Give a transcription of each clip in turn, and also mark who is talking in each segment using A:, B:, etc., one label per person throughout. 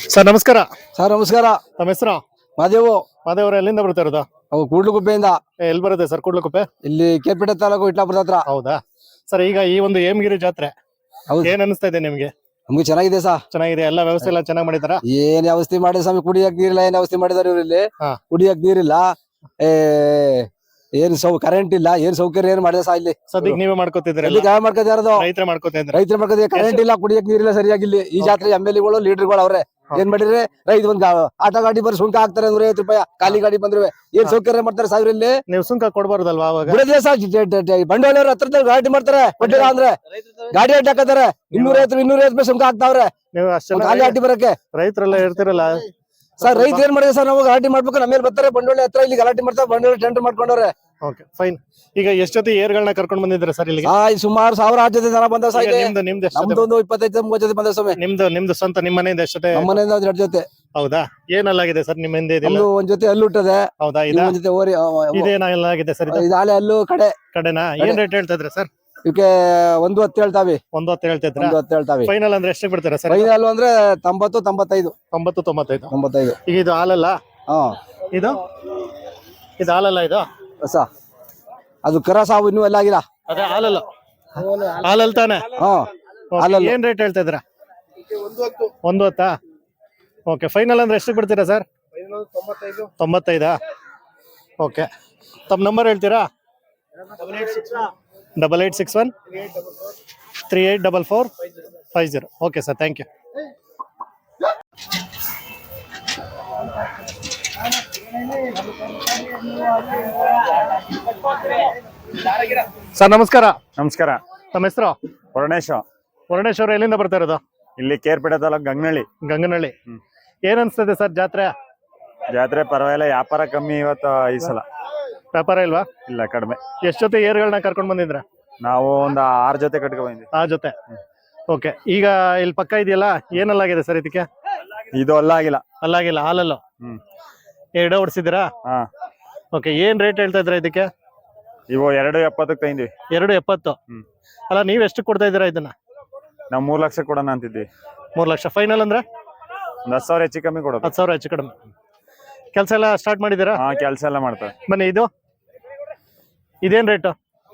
A: Sir ನಮಸ್ಕಾರ.
B: Sir ನಮಸ್ಕಾರ.
A: ತಮ್ಮ ಹೆಸರು?
B: ಮಾದೇವು.
A: ಮಾದೇವ್ರ ಎಲ್ಲಿಂದ ಬರ್ತಾ ಇರೋದು?
B: ಅವು ಕೂಡ್ಲುಗುಪ್ಪೆಯಿಂದ.
A: ಎಲ್ಲಿ ಬರುತ್ತೆ ಸರ್ ಕೂಡ್ಲುಗುಪ್ಪೆ?
B: ಇಲ್ಲಿ ಕೇರ್ಪೇಟೆ ತಾಲೂಕು ಇಟ್ಲಾಪುರದ ಹತ್ರ.
A: ಹೌದಾ ಸರ್, ಈಗ ಈ ಒಂದು ಹೇಮಗಿರಿ ಜಾತ್ರೆ ಏನ್ ಅನಿಸ್ತಾ ಇದೆ ನಿಮ್ಗೆ?
B: ನಮ್ಗೆ ಚೆನ್ನಾಗಿದೆ ಸರ್.
A: ಚೆನ್ನಾಗಿದೆ, ಎಲ್ಲ ವ್ಯವಸ್ಥೆ ಎಲ್ಲ ಚೆನ್ನಾಗಿ ಮಾಡಿದಾರ?
B: ಏನ್ ವ್ಯವಸ್ಥೆ ಮಾಡಿ ಸ್ವಾಮಿ, ಕುಡಿಯಕ್ ನೀರಿಲ್ಲ. ಏನ್ ವ್ಯವಸ್ಥೆ ಮಾಡಿದಾರೆ ಇವ್ರು ಇಲ್ಲಿ? ಕುಡಿಯಕ್ ನೀರಿಲ್ಲ, ಏನ್ ಕರೆಂಟ್ ಇಲ್ಲ, ಏನ್ ಸೌಕರ್ಯ ಏನ್ ಮಾಡಿದ ಸಾ ಇಲ್ಲಿ?
A: ಸದ್ಯಕ್ಕೆ ನೀವೇ ಮಾಡ್ಕೋತಿದ್ರಿ?
B: ಮಾಡ್ಕೋತಿರೋದು
A: ರೈತರ ಮಾಡ್ಕೋತಿದ್ರೆ.
B: ರೈತರ ಮಾಡ್ಕೋತೀವಿ. ಕರೆಂಟ್ ಇಲ್ಲ, ಕುಡಿಯಕ್ ನೀರಿಲ್ಲ ಸರಿಯಾಗಿ. ಇಲ್ಲಿ ಈ ಜಾತ್ರೆ MLA ಗಳು ಲೀಡರ್ಗಳು ಅವ್ರೆ. ಏನ್ ಮಾಡಿದ್ರೆ ರೈತ ಒಂದ್ ಆಟೋ ಗಾಡಿ ಬರ್ ಸುಂಕ ಹಾಕ್ತಾರೆ 150 ರೂಪಾಯಿ. ಖಾಲಿ ಗಾಡಿ ಬಂದ್ರೆ ಏನ್ ಸೌಕರ್ಯ ಮಾಡ್ತಾರೆ ಸಾವಿರ ಇಲ್ಲಿ?
A: ನೀವು ಸುಂಕ ಕೊಡ್ಬಾರ್ದಲ್ವಾ ಅವಾಗ?
B: ಬಂಡವಾಳ ಹತ್ರ ಗಾಡಿ ಮಾಡ್ತಾರೆ, ಕೊಟ್ಟಿಲ್ಲ ಅಂದ್ರೆ ಗಾಡಿ ಅಡ್ಡ ಹಾಕತಾರೆ. 250 ರೂಪಾಯಿ ಸುಂಕ ಹಾಕ್ತಾವ್ರೆ
A: ನೀವು ಅಷ್ಟೆಲ್ಲ
B: ಖಾಲಿ ಅಡ್ಡಿ ಬರಕ್ಕೆ.
A: ರೈತರೆಲ್ಲ ಇರ್ತಿರಲ್ಲ
B: ಸರ್, ರೈತ ಏನ್ ಮಾಡಿದ್ರೆ ಸರ್, ನಾವು ಗಲಾಟೆ ಮಾಡ್ಬೇಕು. ನಮ್ಮೇಲೆ ಬರ್ತಾರೆ ಬಂಡವಾಳ ಹತ್ರ, ಇಲ್ಲಿ ಗಲಾಟೆ ಮಾಡ್ತಾರೆ. ಬಂಡವಾಳ ಟೆಂಡರ್ ಮಾಡ್ಕೊಂಡವ್ರೆ.
A: Okay fine. ಈಗ ಎಷ್ಟು ಜೊತೆ ಏರ್ಗಳನ್ನ ಕರ್ಕೊಂಡ್ ಬಂದಿದ್ರೆ ಸರ್ ಇಲ್ಲಿಗೆ?
B: ಸುಮಾರು 1000 ಜೊತೆ ಜನ ಬಂದ ಸರ್.
A: ನಿಮ್ದು
B: ನಮ್ದು ಒಂದು 25-30 ಜೊತೆ ಬಂದ ಸ್ವಾಮಿ.
A: ನಿಮ್ದು ಸ್ವಂತ ನಿಮ್ಮ ಮನೆಯಿಂದ ಎಷ್ಟು ಜೊತೆ?
B: ನಮ್ಮ ಮನೆಯಿಂದ 2 ಜೊತೆ.
A: ಹೌದಾ, ಏನಲ್ಲಾಗಿದೆ ಸರ್ ನಿಮ್ಮ ಹಿಂದೆ?
B: ಒಂದ್ ಜೊತೆ ಹಲ್ಲು ಹುಟ್ಟದೆ.
A: ಹೌದಾ,
B: ಒಂದ್ ಜೊತೆ ಓರಿ.
A: ಇದೇನಾಗಿದೆ ಸರ್?
B: ಇದು ಹಾಲೆ ಹಲ್ಲು ಕಡೆನಾ?
A: ಏನ್ ರೇಟ್ ಹೇಳ್ತಾ ಇದ್ರೆ ಸರ್?
B: ಇವಕ್ಕೆ 110 ಹೇಳ್ತಾವಿ.
A: 110 ಹೇಳ್ತಿದ್ರ?
B: 110 ಹೇಳ್ತಾವಿ.
A: ಫೈನಲ್ ಅಂದ್ರೆ ಎಷ್ಟು ಬಿಡ್ತೀರಾ ಸರ್?
B: ಫೈನಲ್ ಅಂದ್ರೆ 90-95.
A: 90-95. ಈಗ ಇದು ಹಾಲಲ್ಲ? ಇದು ಹಾಲಲ್ಲ? ಇದು
B: ಹೊಸ ಅದು ಕರ ಸಾವು ಇನ್ನೂ ಎಲ್ಲ ಆಗಿಲ್ಲ.
A: ಅದೇ ಹಾಲಲ್ಲ? ಹಾಲಲ್ ತಾನೆ? ಏನ್ ರೇಟ್ ಹೇಳ್ತಾ ಇದ್ರ? 110. ಓಕೆ, ಫೈನಲ್ ಅಂದ್ರೆ ಎಷ್ಟು ಬಿಡ್ತೀರಾ ಸರ್? 95. ಓಕೆ, ತಮ್ಮ ನಂಬರ್ ಹೇಳ್ತೀರಾ? 8861 384450. Okay sir, thank you. Sir ನಮಸ್ಕಾರ.
C: ನಮಸ್ಕಾರ.
A: ತಮ್ಮ ಹೆಸರು?
C: ವರುಣೇಶ್
A: ಅವರು ಎಲ್ಲಿಂದ ಬರ್ತಾ ಇರೋದು?
C: ಇಲ್ಲಿ ಕೇರ್ಪೇಟೆ ತಾಲೂಕು
A: ಗಂಗನಹಳ್ಳಿ. ಏನ್ ಅನ್ಸ್ತದೆ ಸರ್ ಜಾತ್ರೆ?
C: ಜಾತ್ರೆ ಪರವಾಗಿಲ್ಲ, ವ್ಯಾಪಾರ ಕಮ್ಮಿ ಇವತ್ತು. ಈ ಸಲ
A: ವ್ಯಾಪಾರ ಇಲ್ವಾ?
C: ಇಲ್ಲ, ಕಡಿಮೆ.
A: ಎಷ್ಟು ಜೊತೆ ಏರ್ಗಳನ್ನ ಕರ್ಕೊಂಡ್ ಬಂದಿದ್ರ?
C: ನಾವು ಒಂದು 6 ಜೊತೆ ಕಟ್ಕೊ ಬಂದ್ವಿ.
A: 6 ಜೊತೆ. ಓಕೆ, ಈಗ ಇಲ್ಲಿ ಪಕ್ಕ ಇದೆಯಲ್ಲ, ಏನಲ್ಲಾಗಿದೆ ಸರ್ ಇದಕ್ಕೆ?
C: ಇದು ಅಲ್ಲಾಗಿಲ್ಲ.
A: ಹಾಲಲ್ಲ? ಎರಡು ಓಡಿಸಿದಿರಾ? ಓಕೆ, ಏನ್ ರೇಟ್ ಹೇಳ್ತಾ ಇದ್ರ ಇದಕ್ಕೆ?
C: ಇವು 270 ತಂದ್ವಿ.
A: 270. ಅಲ್ಲ, ನೀವ್ ಎಷ್ಟು ಕೊಡ್ತಾ ಇದೀರಾ ಇದನ್ನ?
C: ನಾವು 3 ಲಕ್ಷ ಕೊಡೋಣ ಅಂತಿದ್ವಿ.
A: 3 ಲಕ್ಷ. ಫೈನಲ್ ಅಂದ್ರೆ
C: ಒಂದು 10,000 ಹೆಚ್ಚು ಕಮ್ಮಿ ಕೊಡೋದು.
A: 10,000 ಹೆಚ್ಚು ಕಡಿಮೆ. ಕೆಲಸ ಎಲ್ಲ ಸ್ಟಾರ್ಟ್ ಮಾಡಿದಿರಾ?
C: ಕೆಲಸ ಎಲ್ಲ ಮಾಡ್ತಾರೆ.
A: ಬನ್ನಿ, ಇದೇನ್ ರೇಟು?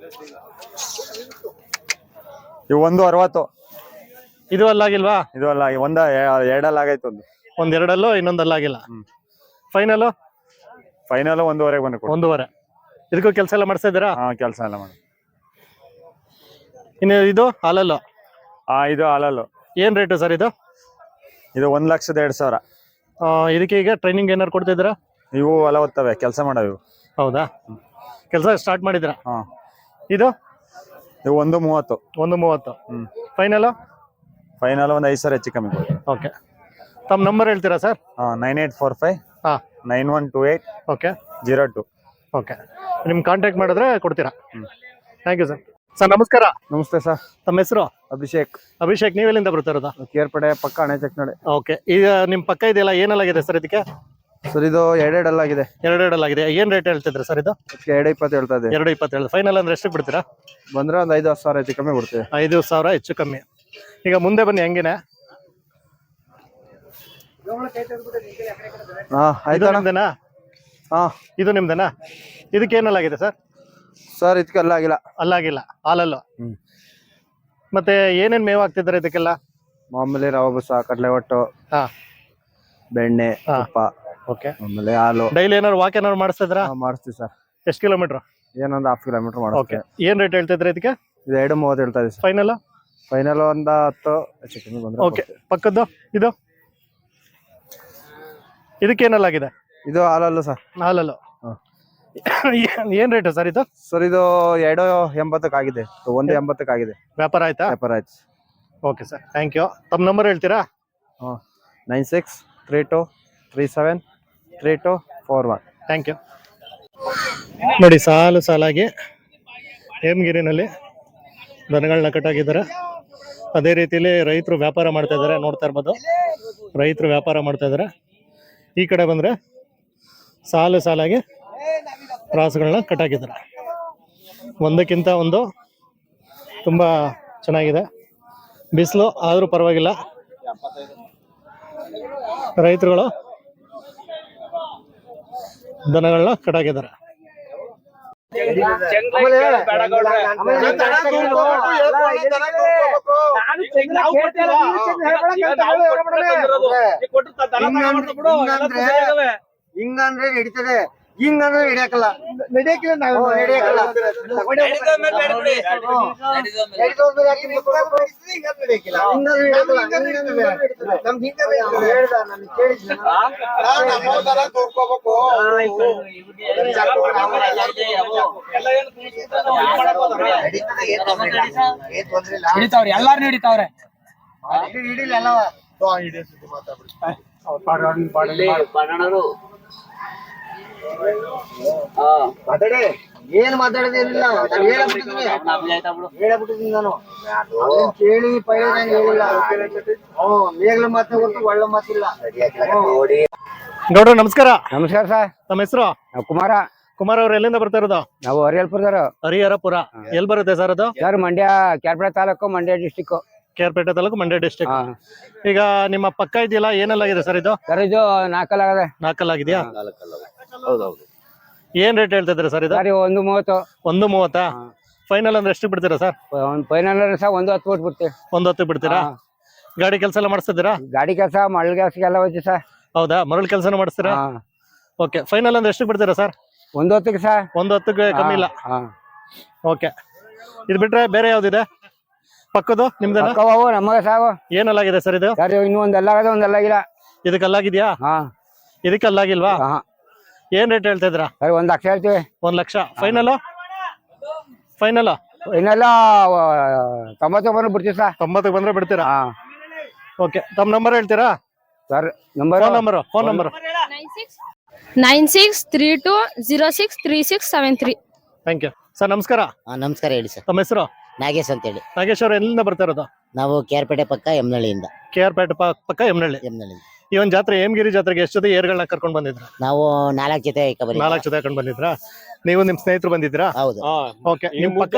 C: ಇವು 160.
A: ಇದು ಅಲ್ಲಾಗಿಲ್ವಾ?
C: ಇದು ಅಲ್ಲ, ಎರಡಲ್ಲ ಆಗೈತೆ.
A: ಒಂದ್ ಎರಡಲ್ಲೂ, ಇನ್ನೊಂದಲ್ಲಾಗಿಲ್ಲ. ಫೈನಲ್
C: 1.5 ಬಂದು
A: 1.5. ಇದಕ್ಕೂ ಕೆಲಸ ಎಲ್ಲ ಮಾಡಿಸ್ತಾ ಇದ್ದೀರಾ?
C: ಕೆಲಸ ಎಲ್ಲ ಮಾಡಿ.
A: ಇನ್ನು ಇದು ಹಾಲಲ್ಲು?
C: ಇದು ಹಾಲಲ್ಲು.
A: ಏನ್ ರೇಟು ಸರ್ ಇದು?
C: ಇದು 1,02,000.
A: ಇದಕ್ಕೆ ಈಗ ಟ್ರೈನಿಂಗ್ ಏನಾರು ಕೊಡ್ತಾ ಇದ್ದೀರಾ?
C: ಇವು ಹೊಲ ಓದ್ತವೆ, ಕೆಲಸ ಮಾಡವು.
A: ಹೌದಾ, ಕೆಲಸ ಸ್ಟಾರ್ಟ್ ಮಾಡಿದಿರಾ? ಇದು
C: 1.30.
A: 1.30. ಫೈನಲ್
C: ಒಂದು 5,000 ಹೆಚ್ಚು ಕಮ್ಮಿ ಕೊಡಿ.
A: ಓಕೆ, ತಮ್ಮ ನಂಬರ್ ಹೇಳ್ತೀರಾ ಸರ್?
C: 9845 9128
A: ಓಕೆ
C: 02.
A: ಓಕೆ, ನಿಮ್ ಕಾಂಟ್ಯಾಕ್ಟ್ ಮಾಡಿದ್ರೆ ಕೊಡ್ತೀರಾ? Thank you sir. ಸರ್ ನಮಸ್ಕಾರ.
B: ನಮಸ್ತೆ ಸರ್.
A: ತಮ್ಮ ಹೆಸರು?
B: ಅಭಿಷೇಕ್.
A: ನೀವೆಲ್ಲಿಂದ ಬರ್ತಾ ಇರೋದು?
B: ಕೇರ್ಪೇಟೆ ಪಕ್ಕ ಅಣೆಚಕ್ನಡೆ.
A: ಓಕೆ, ಈಗ ನಿಮ್ ಪಕ್ಕ ಇದೆಯಲ್ಲ, ಏನಲ್ಲಾಗಿದೆ ಸರ್ ಇದಕ್ಕೆ?
B: ಸರ್ ಇದು 2 ಆಗಿದೆ.
A: 2 ಏನ್ ರೇಟ್ ಹೇಳ್ತಿದ್ರೆ ಸರ್ ಇದು?
B: 2.20 ಹೇಳ್ತಾ ಇದೆ.
A: 2.20. ಫೈನಲ್ ಅಂದ್ರೆ ಎಷ್ಟು ಬಿಡ್ತೀರಾ?
B: ಬಂದ್ರೆ ಒಂದು 5,000 ಹೆಚ್ಚು ಕಮ್ಮಿ ಕೊಡ್ತೀವಿ.
A: 5,000 ಹೆಚ್ಚು ಕಮ್ಮಿ. ಈಗ ಮುಂದೆ ಬನ್ನಿ, ಹಂಗೇನೆ. ಇದು ನಿಮ್ದೇನಾ? ಇದಕ್ಕೆ ಏನಲ್ಲಾಗಿದೆ ಸರ್?
B: ಸರ್ ಇದಕ್ಕೆ
A: ಅಲ್ಲಾಗಿಲ್ಲ, ಹಾಲಲ್ಲು. ಮತ್ತೆ ಏನೇನ್ ಮೇವು ಹಾಕ್ತಿದ್ದಾರೆ ಇದಕ್ಕೆಲ್ಲ?
B: ಮಾಮೂಲಿ ರವೆ ಬೂಸ, ಕಡಲೆ ಒಟ್ಟು, ಬೆಣ್ಣೆ, ತುಪ್ಪ.
A: ಓಕೆ,
B: ಆಮೇಲೆ ಹಾಲು.
A: ಡೈಲಿ ಏನಾದ್ರು ವಾಕ್ ಏನಾದ್ರು ಮಾಡಿಸ್ತಿದ್ರಾ?
B: ಮಾಡಿಸ್ತೀವಿ ಸರ್.
A: ಎಷ್ಟು ಕಿಲೋಮೀಟರ್?
B: ಏನೊಂದು 1/2 ಕಿಲೋಮೀಟರ್ ಮಾಡ್ತೀವಿ.
A: ಏನ್ ರೇಟ್ ಹೇಳ್ತಿದ್ರೆ ಇದಕ್ಕೆ?
B: ಇದು 2.30 ಹೇಳ್ತಾ ಇದೆ.
A: ಫೈನಲ್
B: ಒಂದು 10 ಹೆಚ್ಚು ಕಮ್ಮಿ ಬಂದ್ರೆ.
A: ಓಕೆ, ಪಕ್ಕದ್ದು ಇದಕ್ಕೇನಲ್ಲಾಗಿದೆ?
B: ಇದು ಹಾಲಲ್ಲು ಸರ್.
A: ಹಾಲಲ್ಲು. ಏನ್ ರೇಟ್ ಸರ್ ಇದು?
B: ಸರ್ ಇದು 2.80 ಆಗಿದೆ. 1.80 ಆಗಿದೆ.
A: ವ್ಯಾಪಾರ ಆಯ್ತಾ?
B: ವ್ಯಾಪಾರ ಆಯ್ತು.
A: Okay sir, thank you. ತಮ್ಮ ನಂಬರ್ ಹೇಳ್ತೀರಾ?
B: 9632373241.
A: Thank you. ನೋಡಿ, ಸಾಲಾಗಿ ಹೇಮಗಿರಿನಲ್ಲಿ ದನಗಳನ್ನ ಕಟ್ಟಾಕಿದ್ದಾರೆ. ಅದೇ ರೀತಿಯಲ್ಲಿ ರೈತರು ವ್ಯಾಪಾರ ಮಾಡ್ತಾ ಇದ್ದಾರೆ, ನೋಡ್ತಾ ಇರ್ಬೋದು. ರೈತರು ವ್ಯಾಪಾರ ಮಾಡ್ತಾ ಇದ್ದಾರೆ. ಈ ಕಡೆ ಬಂದ್ರೆ ಸಾಲಾಗಿ ರಾಸುಗಳನ್ನ ಕಟ್ಟಾಕಿದ್ದಾರೆ. ಒಂದಕ್ಕಿಂತ ಒಂದು ತುಂಬಾ ಚೆನ್ನಾಗಿದೆ. ಬಿಸಿಲು ಆದ್ರೂ ಪರವಾಗಿಲ್ಲ. ರೈತರುಗಳು ದನಗಳನ್ನ ಕಟ್ಟಾಕಿದ್ದಾರೆ.
B: ಹಿಂಗಂದ್ರೆ ಹಿಡಿತದೆ, ಹಿಂಗಂದ್ರೆ ಹಿಡಿಯಕಲ್ಲ, ನಡೆಯಕಿಲ್ಲ ನಾವು ನಡೆಯಕಲ್ಲ.
D: ಹಿಡಿತಾವ್ರಿ, ಎಲ್ಲಾರು ಹಿಡಿತಾವ್ರೆ.
B: ಹಿಡಿಲಿಲ್ಲ ಎಲ್ಲವ ಮಾತಾಡಿ, ಏನ್ ಮಾತಾಡೋದೇನಿಲ್ಲ. ಹೇಳಬಿಟ್ಟಿದ್ದೀನಿ ನಾನು, ಕೇಳಿ ಪೈಲ ಹೇಳಿಲ್ಲ. ಮೇಘಲ ಮಾತು ಗೊತ್ತು, ಒಳ್ಳೆ ಮಾತಿಲ್ಲ.
A: ಗೌಡ್ರ ನಮಸ್ಕಾರ.
B: ನಮಸ್ಕಾರ ಸರ್.
A: ನಮ್ಮ ಹೆಸರು
B: ಕುಮಾರ.
A: ಕುಮಾರ್ ಅವ್ರು ಎಲ್ಲಿಂದ ಬರ್ತಾ ಇರೋದು?
B: ನಾವು ಹರಿಹರಪುರದವರು.
A: ಹರಿಹರಪುರ ಎಲ್ಲಿ ಬರುತ್ತೆ ಸರ್ ಅದು?
B: Sir Mandya, Kyarpete taluk, Mandya district.
A: Kerpete taluk, Mandya district. ಈಗ ನಿಮ್ಮ ಪಕ್ಕ ಇದೆಯಲ್ಲ, ಏನೆಲ್ಲಾಗಿದೆ ಸರ್ ಇದು?
B: ಸರ್ ಇದು ನಾಲ್ಕಲ್ಲಾಗದೆ.
A: ನಾಲ್ಕಲ್ಲಾಗಿದೆಯಾ?
B: ಹೌದೌದು.
A: ಏನ್ ರೇಟ್ ಹೇಳ್ತಾ ಇದ್ದೀರಾ ಸರ್ ಇದು?
B: ಸರ್ 1:30.
A: 1:30. ಫೈನಲ್ ಅಂದ್ರೆ ಎಷ್ಟು ಬಿಡ್ತೀರಾ ಸರ್?
B: Final sir 1:10 ಬಿಟ್ಬಿಡ್ತೀವಿ.
A: 1:10 ಬಿಡ್ತೀರಾ? ಗಾಡಿ ಕೆಲಸ ಎಲ್ಲ ಮಾಡಿಸ್ತಿದ್ದೀರಾ?
B: ಗಾಡಿ ಕೆಲಸ, ಮರಳು ಕೆಲಸಕ್ಕೆಲ್ಲ ಹೋಯ್ತು ಸರ್.
A: ಹೌದಾ, ಮರಳು ಕೆಲಸನ ಮಾಡಿಸ್ತೀರಾ? ಓಕೆ, ಫೈನಲ್ ಅಂದ್ರೆ ಎಷ್ಟು ಬಿಡ್ತೀರಾ ಸರ್?
B: 1:10 ಸರ್.
A: 1:10 ಕಮ್ಮಿ ಇಲ್ಲ. ಓಕೆ, ಇದು ಬಿಟ್ರೆ ಬೇರೆ ಯಾವ್ದಿದೆ ಪಕ್ಕದು ನಿಮ್ದೇನಾ?
B: ನಮಗೆ ಸಾವು.
A: ಏನಲ್ಲಾಗಿದೆ ಸರ್ ಇದು?
B: ಸರ್ ಇನ್ನೂ ಒಂದೆಲ್ಲಾಗದೆ, ಒಂದೆಲ್ಲಾಗಿಲ್ಲ.
A: ಇದಕ್ಕೆಲ್ಲಾಗಿದ್ಯಾ? ಇದಕ್ಕೆಲ್ಲಾಗಿಲ್ವಾ? ಏನ್ ರೇಟ್ ಹೇಳ್ತಾ ಇದ್ರಾ?
B: ಸರ್ 1 ಲಕ್ಷ ಹೇಳ್ತೀವಿ.
A: 1 ಲಕ್ಷ. ಫೈನಲ್ ಫೈನಲ್
B: ಇನ್ನೆಲ್ಲ 99 ಬಿಡ್ತೀವಿ ಸರ್.
A: 90 ಬಂದ್ರೆ ಬಿಡ್ತೀರಾ? ಓಕೆ, ತಮ್ಮ ನಂಬರ್ ಹೇಳ್ತೀರಾ
B: sir? Number,
A: phone number
E: 9632063673.
A: Thank you sir. ನಮಸ್ಕಾರ.
F: ನಮಸ್ಕಾರ, ಹೇಳಿ ಸರ್.
A: ತಮ್ಮ ಹೆಸರು?
F: ನಾಗೇಶ್ ಅಂತ ಹೇಳಿ.
A: ನಾಗೇಶ್ ಅವ್ರು ಎಲ್ಲಿಂದ ಬರ್ತಾ ಇರೋದು?
F: ನಾವು ಕೇರ್ಪೇಟೆ ಪಕ್ಕ ಯಮನಹಳ್ಳಿಯಿಂದ.
A: KR ಪೇಟೆ ಪಕ್ಕ ಯಮನಹಳ್ಳಿ. ಈ ಒಂದು ಜಾತ್ರೆ, ಹೇಮಗಿರಿ ಜಾತ್ರೆಗೆ ಎಷ್ಟು ಜೊತೆ ಏರ್ಗಳನ್ನ ಕರ್ಕೊಂಡು ಬಂದಿದ್ರ?
F: ನಾವು 4 ಜೊತೆ
A: 4 ಜೊತೆ ಹಾಕೊಂಡು ಬಂದಿದ್ರಾ? ನೀವು ನಿಮ್ ಸ್ನೇಹಿತರು ಬಂದಿದ್ರಾ?
F: ಹೌದು.
A: ಓಕೆ, ನಿಮ್ ಪಕ್ಕ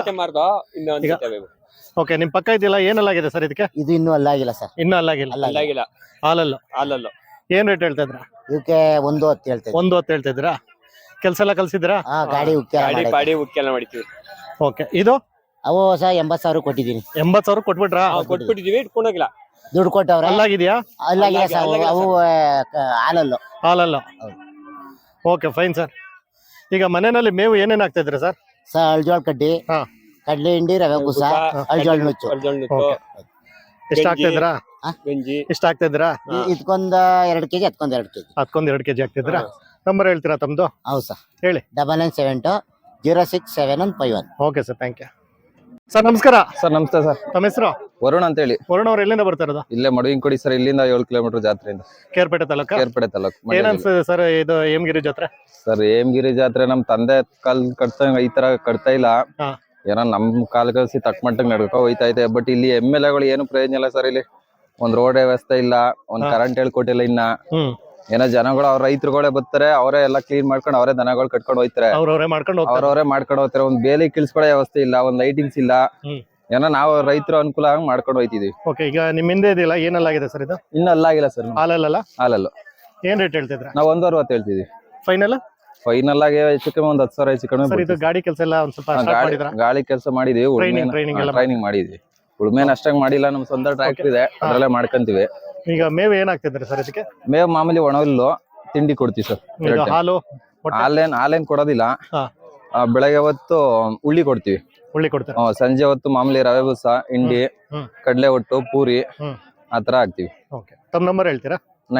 A: ಓಕೆ, ನಿಮ್ ಪಕ್ಕ ಇದೆಯಲ್ಲ, ಏನೆಲ್ಲಾಗಿದೆ ಸರ್ ಇದಕ್ಕೆ?
F: ಇದು ಇನ್ನೂ ಅಲ್ಲಾಗಿಲ್ಲ ಸರ್.
A: ಇನ್ನೂ ಅಲ್ಲಾಗಿಲ್ಲ. ಹಾಲಲ್ಲ. ಏನ್ ರೇಟ್ ಹೇಳ್ತಾ ಇದ್ರ?
F: ಇದಕ್ಕೆ 1:10 ಹೇಳ್ತೇವೆ.
A: 1:10 ಹೇಳ್ತಾ ಇದ್ರಾ? ಕೆಲ್ಸ ಎಲ್ಲ ಕಲ್ಸಿದ್ರಾ?
F: ಗಾಡಿ ಉಕ್ಕೆಲ್ಲ
D: ಮಾಡಿದ್ವಿ.
A: ಓಕೆ, ಇದು
F: ಅವು ಸಹ 80,000 ಕೊಟ್ಟಿದ್ದೀನಿ.
A: 80,000 ಕೊಟ್ಬಿಟ್ರಾ?
D: ಕೊಟ್ಬಿಟ್ಟಿದೀವಿ, ಇಟ್ಕೊಂಡೋಗಿಲ್ಲ.
F: ದುಡ್ಡು ಕೊಟ್ಟವ್ರೆ.
A: ಅಲ್ಲಾಗಿದ್ಯಾ?
F: ಅಲ್ಲಾಗಿಲ್ಲ ಸರ್. ಅವು
A: ಹಾಲಲ್ಲ. Okay, fine sir. ಈಗ ಮನೆಯಲ್ಲಿ ಮೇವು ಏನೇನ್ ಆಗ್ತಾ ಇದ್ರಿ ಸರ್?
F: ಅಳ್ಜೋಳ ಕಡ್ಡಿ, ಕಡ್ಲೆ ಹಿಂಡಿ, ರವೆ ಬೂಸ, ಅಳ್ಜೋಳ ನುಚ್ಚು.
A: ಎಷ್ಟು ಆಗ್ತಾ ಇದ್ರಾ? ಎಷ್ಟು ಆಗ್ತಾ ಇದ್ರಾ?
F: ಇದಕ್ಕೊಂದ್ 2 kg, ಅದಕ್ಕೊಂದ್ 2 kg.
A: ಅದಕ್ಕೊಂದ್ 2 kg ಆಗ್ತಿದ್ರಾ? ನಂಬರ್ ಹೇಳ್ತೀರಾ ತಮ್ದು?
F: ಹೌದು ಸರ್,
A: ಹೇಳಿ.
F: 9972067151.
A: Okay sir, thank you sir. ನಮಸ್ಕಾರ
G: ಸರ್. ನಮಸ್ತೆ ಸರ್.
A: ತಮ್ಮ ಹೆಸರು?
G: ವರುಣ್ ಅಂತ ಹೇಳಿ.
A: ವರುಣ್ ಅವ್ರು ಎಲ್ಲಿಂದ ಬರ್ತಾ ಇರೋದು?
G: ಇಲ್ಲೇ ಮಡುವಿನಕೊಡಿ ಸರ್. ಇಲ್ಲಿಂದ 7 ಕಿಲೋಮೀಟರ್ ಜಾತ್ರೆಯಿಂದ.
A: ಕೇರ್ಪೇಟೆ ತಾಲೂಕು?
G: ಕೇರ್ಪೇಟೆ ತಾಲೂಕು.
A: ಏನ್ ಅನ್ಸುತ್ತೆ ಸರ್ ಇದು ಹೇಮಗಿರಿ ಜಾತ್ರೆ?
G: ಸರ್ ಹೇಮಗಿರಿ ಜಾತ್ರೆ ನಮ್ ತಂದೆ ಕಾಲ್ ಕಟ್ತಂಗ ಈ ತರ ಕಟ್ತಾ ಇಲ್ಲ. ಏನೋ ನಮ್ ಕಾಲ್ ಕಲ್ಸಿ ತಕ್ಕ ಮಟ್ಟಿಗೆ ನಡ್ಕೊ ಹೋಯ್ತಾ ಇದೆ. ಬಟ್ ಇಲ್ಲಿ MLA ಗಳು ಏನು ಪ್ರಯೋಜನ ಇಲ್ಲ ಸರ್. ಇಲ್ಲಿ ಒಂದ್ ರೋಡ್ ವ್ಯವಸ್ಥೆ ಇಲ್ಲ, ಒಂದ್ ಕರೆಂಟ್ ಹೇಳ್ಕೊಟ್ಟಿಲ್ಲ ಇನ್ನ. ಏನೋ ಜನಗಳು, ಅವ್ರ ರೈತರುಗಳೇ ಬರ್ತಾರೆ, ಅವರೇ ಎಲ್ಲ ಕ್ಲೀನ್ ಮಾಡ್ಕೊಂಡು ಅವರೇ ದನಗಳು ಕಟ್ಕೊಂಡು ಹೋಯ್ತಾರೆ.
A: ಅವ್ರವ್ರೇ ಮಾಡ್ಕೊಂಡು
G: ಹೋಗ್ತಾರೆ. ಒಂದ್ ಬೇಲಿ ಕಿಲ್ಸ್ಕೊಳೋ ವ್ಯವಸ್ಥೆ ಇಲ್ಲ, ಒಂದ್ ಲೈಟಿಂಗ್ಸ್ ಇಲ್ಲ. ಏನೋ ನಾವು ರೈತರು ಅನುಕೂಲ ಆಗಿ ಮಾಡ್ಕೊಂಡು ಹೋಯ್ತಿದೀವಿ.
A: ಓಕೆ, ಈಗ ನಿಮ್ ಹಿಂದೆ ಇದೆಯಲ್ಲ, ಏನೆಲ್ಲಾಗಿದೆ ಸರ್ ಇದು?
G: ಇನ್ನು ಅಲ್ಲಾಗಿಲ್ಲ ಸರ್. ಹಾಲಲ್ಲ.
A: ಏನ್ ರೇಟ್ ಹೇಳ್ತಿದ್ರ?
G: ನಾವು 1:60 ಹೇಳ್ತಿದೀವಿ. ಫೈನಲ್ ಆಗಿ ಹೆಚ್ಚು ಕಮ್ಮಿ 10,000 ಹೆಚ್ಚು ಕಮ್ಮಿ.
A: ಇದು ಗಾಡಿ ಕೆಲಸ ಎಲ್ಲ ಒಂದ್ ಸ್ವಲ್ಪ ಸ್ಟಾರ್ಟ್ ಮಾಡಿದ್ರಾ?
G: ಗಾಳಿ ಕೆಲಸ ಮಾಡಿದೀವಿ, ಟ್ರೈನಿಂಗ್ ಮಾಡಿದ್ವಿ. ಉಳ್ಮೇನ್ ಅಷ್ಟಾಗಿ ಮಾಡಿಲ್ಲ. ನಮ್ ಸ್ವಂತ ಟ್ರ್ಯಾಕ್ಟರ್ ಇದೆ, ಅದ್ರಲ್ಲೇ ಮಾಡ್ಕೊಂತೀವಿ.
A: ಈಗ ಮೇವು ಏನಾಗ್ತಿದ್ರಿ ಸರ್ ಇದಕ್ಕೆ?
G: ಮೇವು ಮಾಮೂಲಿ ಒಣ ಹುಲ್ಲು, ತಿಂಡಿ ಕೊಡ್ತೀವಿ ಸರ್.
A: ಹಾಲು
G: ಹಾಲೇನ್ ಕೊಡೋದಿಲ್ಲ. ಬೆಳಗ್ಗೆ ಹೊತ್ತು ಉಳ್ಳಿ ಕೊಡ್ತೀವಿ. ಸಂಜೆ ಹೊತ್ತು ಮಾಮೂಲಿ ರವೆ ಬೂಸ, ಹಿಂಡಿ, ಕಡ್ಲೆ ಒಟ್ಟು, ಪೂರಿ ಆತರ ಹಾಕ್ತಿವಿ.
A: ತಮ್ಮ ನಂಬರ್ ಹೇಳ್ತೀರಾ?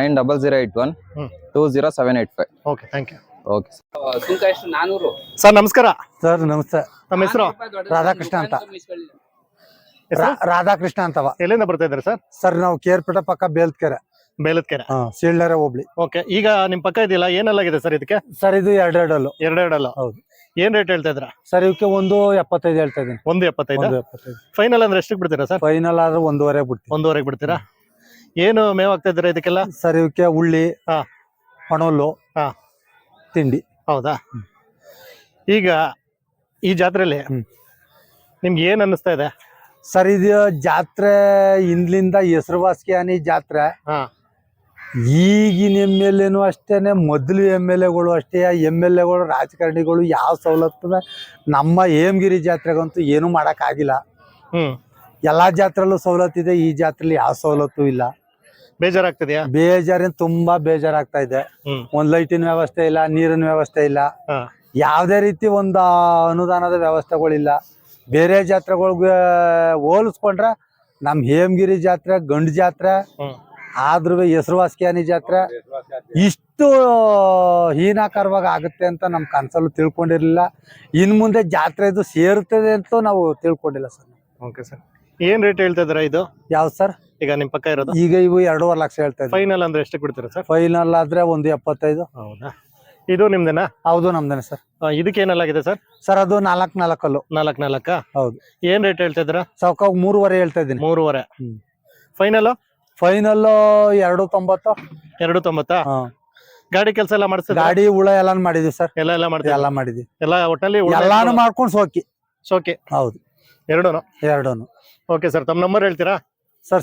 G: 9008120785.
A: Okay, thank you.
G: Okay
A: sir. ನಮಸ್ಕಾರ
B: ಸರ್. ನಮಸ್ತೆ.
A: ನಮ್ಮ ಹೆಸರು?
B: ರಾಧಾಕೃಷ್ಣ ಅಂತ. ರಾಧಾಕೃಷ್ಣ ಅಂತವ.
A: ಎಲ್ಲಿಂದ ಬರ್ತಾ ಇದ್ರಿ ಸರ್?
B: ಸರ್ ನಾವು ಕೇರ್ಪೇಟೆ ಪಕ್ಕ ಬೇಲ್ಕೆರೆ. ಸೀಳ್ಳೆರೆ ಹೋಬ್ಳಿ.
A: ಓಕೆ, ಈಗ ನಿಮ್ ಪಕ್ಕ ಇದೆಯಲ್ಲ, ಏನೆಲ್ಲಾಗಿದೆ ಸರ್ ಇದಕ್ಕೆ?
B: ಸರ್ ಇದು 2
A: ಹೌದು. ಏನ್ ರೇಟ್ ಹೇಳ್ತಾ ಇದ್ರ?
B: ಸರ್ ಇವಕ್ಕೆ 1:75 ಹೇಳ್ತಾ ಇದೀನಿ.
A: 1:75. ಫೈನಲ್ ಅಂದ್ರೆ ಎಷ್ಟಕ್ಕೆ ಬಿಡ್ತೀರಾ ಸರ್?
B: ಫೈನಲ್ ಆದ್ರೆ 1:15 ಬಿಡ್ತೀವಿ.
A: 1:15 ಬಿಡ್ತೀರಾ? ಏನು ಮೇವ್ ಆಗ್ತಾ ಇದ್ದೀರಾ ಇದಕ್ಕೆಲ್ಲ?
B: ಸರ್ ಇವಕ್ಕೆ ಉಳ್ಳಿ, ಒಣಹುಲ್ಲು, ತಿಂಡಿ.
A: ಹೌದಾ? ಈಗ ಈ ಜಾತ್ರೆಯಲ್ಲಿ ನಿಮ್ಗೆ ಏನ್ ಅನ್ನಿಸ್ತಾ ಇದೆ
B: ಸರ್? ಇದು ಜಾತ್ರೆ ಹಿಂದ್ಲಿಂದ ಹೆಸರುವಾಸಿ ಜಾತ್ರೆ.
E: ಈಗಿನ ಎಮ್ ಎಲ್ ಎನು ಅಷ್ಟೇನೆ, ಮೊದಲು ಎಮ್ ಎಲ್ ಎಗಳು ಅಷ್ಟೇ. ಎಮ್ ಎಲ್ ಎಗಳು ರಾಜಕಾರಣಿಗಳು ಯಾವ ಸವಲತ್ತು ನಮ್ಮ ಹೇಮಗಿರಿ ಜಾತ್ರೆಗಂತೂ ಏನೂ ಮಾಡೋಕ್ಕಾಗಿಲ್ಲ. ಎಲ್ಲಾ ಜಾತ್ರೆಲ್ಲೂ ಸವಲತ್ತಿದೆ, ಈ ಜಾತ್ರೆಲಿ ಯಾವ ಸವಲತ್ತು ಇಲ್ಲ.
A: ಬೇಜಾರಾಗ್ತದ್ಯಾ?
E: ಬೇಜಾರೇನು ತುಂಬಾ ಬೇಜಾರಾಗ್ತಾ ಇದೆ. ಒಂದ್ ಲೈಟಿನ ವ್ಯವಸ್ಥೆ ಇಲ್ಲ, ನೀರಿನ ವ್ಯವಸ್ಥೆ ಇಲ್ಲ, ಯಾವ್ದೇ ರೀತಿ ಒಂದು ಅನುದಾನದ ವ್ಯವಸ್ಥೆಗಳಿಲ್ಲ. ಬೇರೆ ಜಾತ್ರೆಗಳಿಗೆ ಹೋಲಿಸ್ಕೊಂಡ್ರೆ ನಮ್ ಹೇಮಗಿರಿ ಜಾತ್ರೆ ಗಂಡು ಜಾತ್ರೆ, ಆದ್ರೂ ಹೆಸರುವಾಸಿಯಾನಿ ಜಾತ್ರೆ ಇಷ್ಟು ಹೀನಾಕಾರವಾಗಿ ಆಗುತ್ತೆ ಅಂತ ನಮ್ ಕನ್ಸಲ್ಲೂ ತಿಳ್ಕೊಂಡಿರ್ಲಿಲ್ಲ. ಇನ್ ಮುಂದೆ ಜಾತ್ರೆ ಇದು ಸೇರುತ್ತದೆ ಅಂತ ನಾವು ತಿಳ್ಕೊಂಡಿಲ್ಲ ಸರ್.
A: ಓಕೆ ಸರ್, ಏನ್ ರೇಟ್ ಹೇಳ್ತಾ ಇದ್ದೀರಾ ಇದು?
E: ಯಾವ್ದು ಸರ್?
A: ಈಗ ನಿಮ್ ಪಕ್ಕ ಇರೋದು
E: ಈಗ ಇವು 2.5 ಲಕ್ಷ ಹೇಳ್ತಾ ಇದ್ದಾರೆ.
A: ಫೈನಲ್ ಅಂದ್ರೆ ಎಷ್ಟು ಬಿಡ್ತೀರಾ ಸರ್?
E: ಫೈನಲ್ ಆದ್ರೆ 1.75.
A: ಹೌದಾ? ಇದು ನಿಮ್ದೇನಾ?
E: ಹೌದು ನಮ್ದೇನೆ ಸರ್.
A: ಇದಕ್ಕೆ ಏನಲ್ಲಾಗಿದೆ ಸರ್?
E: ಸರ್ ಅದು 4 ಕಲ್ಲು.
A: 4
E: ಹೌದು.
A: ಏನ್ ರೇಟ್ ಹೇಳ್ತಾ ಇದ್ದೀರಾ?
E: ಸೌಕ 3.5 ಹೇಳ್ತಾ ಇದ್ದೀನಿ.
A: 3.5. ಫೈನಲ್?
E: ಫೈನಲ್ 2.90.
A: 2.90. ಗಾಡಿ ಕೆಲಸ ಎಲ್ಲ ಮಾಡಿಸ್ತೀರಾ?
E: ಗಾಡಿ ಹುಳ ಎಲ್ಲಾನು ಮಾಡಿದ್ವಿ ಸರ್.
A: ಎಲ್ಲ ಮಾಡ್ತೀರಾ?
E: ಎಲ್ಲ ಮಾಡಿದ್ವಿ.
A: ಎಲ್ಲ ಒಟ್ಟಲ್ಲಿ
E: ಎಲ್ಲಾನು ಮಾಡ್ಕೊಂಡು
A: ಸೋಕೆ.
E: ಹೌದು, ಎರಡೂನು.
A: ಓಕೆ ಸರ್, ತಮ್ಮ ನಂಬರ್ ಹೇಳ್ತೀರಾ
E: sir?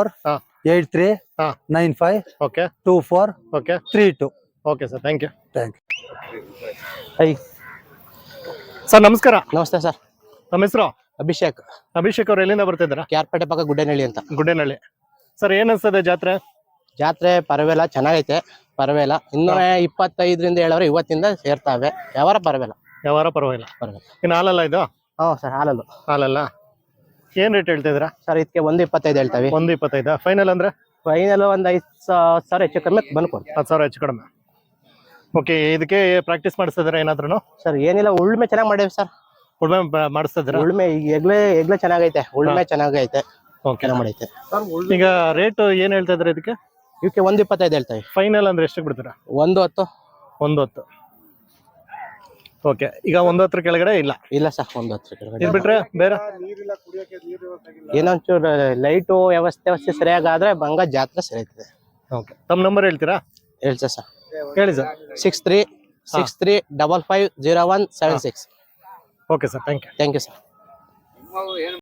E: 7483952432.
A: Okay sir, thank you.
H: Sir ನಮಸ್ಕಾರ. ನಮಸ್ತೆ ಸರ್.
A: ನಮ್ಮ ಹೆಸರು?
H: ಅಭಿಷೇಕ್.
A: ಅಭಿಷೇಕ್ ಅವ್ರು ಎಲ್ಲಿಂದ ಬರ್ತಿದ್ದೀರಾ?
H: ಕ್ಯಾರ್ಪೇಟೆ ಪಕ್ಕ ಗುಡ್ಡೇನಹಳ್ಳಿ ಅಂತ.
A: ಗುಡ್ಡೇನಹಳ್ಳಿ. ಸರ್ ಏನ್ ಅನ್ಸ್ತದೆ ಜಾತ್ರೆ?
H: ಜಾತ್ರೆ ಪರವಾಗಿಲ್ಲ, ಚೆನ್ನಾಗೈತೆ. ಪರವಾಗಿಲ್ಲ, ಇನ್ನೂ 25ರಿಂದ ಹೇಳವ್ರೆ, ಇವತ್ತಿಂದ ಸೇರ್ತಾವೆ. ವ್ಯವಹಾರ ಪರವಾಗಿಲ್ಲ.
A: ಇನ್ನು ಹಾಲಲ್ಲ ಇದು?
H: ಹ್ಞೂ ಸರ್,
A: ಹಾಲಲ್ಲ. ಏನ್ ರೇಟ್ ಹೇಳ್ತಾ ಇದ್ದೀರಾ
H: ಸರ್? ಇದಕ್ಕೆ 1.25 ಹೇಳ್ತಾವೆ.
A: 1.25. ಫೈನಲ್ ಅಂದ್ರೆ?
H: ಫೈನಲ್ ಒಂದು 5,000 ಹೆಚ್ಚು ಕಮ್ಮಿ ಬಂದ್ಕೊಡ್ತೀವಿ.
A: 10,000 ಹೆಚ್ಚು ಕಡಿಮೆ. ಓಕೆ, ಇದಕ್ಕೆ ಪ್ರಾಕ್ಟೀಸ್ ಮಾಡಿಸ್ತಿದ್ದೀರಾ ಏನಾದ್ರು?
H: ಸರ್ ಏನಿಲ್ಲ, ಉಳ್ಮೆ ಚೆನ್ನಾಗಿ ಮಾಡೇವಿ ಸರ್.
A: ಉಳ್ಮೆ ಮಾಡಿಸ್ತಿದ್ದೀರಾ?
H: ಉಳ್ಮೆ ಎಗ್ಲೆ ಚೆನ್ನಾಗೈತೆ. ಉಳ್ಮೆ ಚೆನ್ನಾಗೈತೆ. ಓಕೆ ಮಾಡೈತೆ.
A: ಈಗ ರೇಟ್ ಏನ್ ಹೇಳ್ತಾ ಇದ್ರೆ ಇದಕ್ಕೆ?
H: ಇವಕ್ಕೆ 1.25 ಹೇಳ್ತಾವೆ.
A: ಫೈನಲ್ ಅಂದ್ರೆ ಎಷ್ಟು ಬಿಡ್ತೀರಾ?
H: 1.10.
A: 1.10. ಓಕೆ, ಈಗ 1.10 ಕೆಳಗಡೆ ಇಲ್ಲ?
H: ಇಲ್ಲ ಸರ್, 1.10 ಕೆಳಗಡೆ.
A: ಇದು ಬಿಟ್ರೆ ಬೇರೆ
H: ಏನೊಂಚೂರು ಲೈಟು ವ್ಯವಸ್ಥೆ ಸರಿಯಾಗಾದ್ರೆ ಬಂಗ ಜಾತ್ರೆ ಸರಿಯಾಗ್ತದೆ.
A: ಓಕೆ, ತಮ್ಮ ನಂಬರ್ ಹೇಳ್ತೀರಾ?
H: ಹೇಳ್ತಾ ಸರ್?
A: ಹೇಳಿ sir.
H: 6363550176.
A: Okay sir, thank you
H: sir.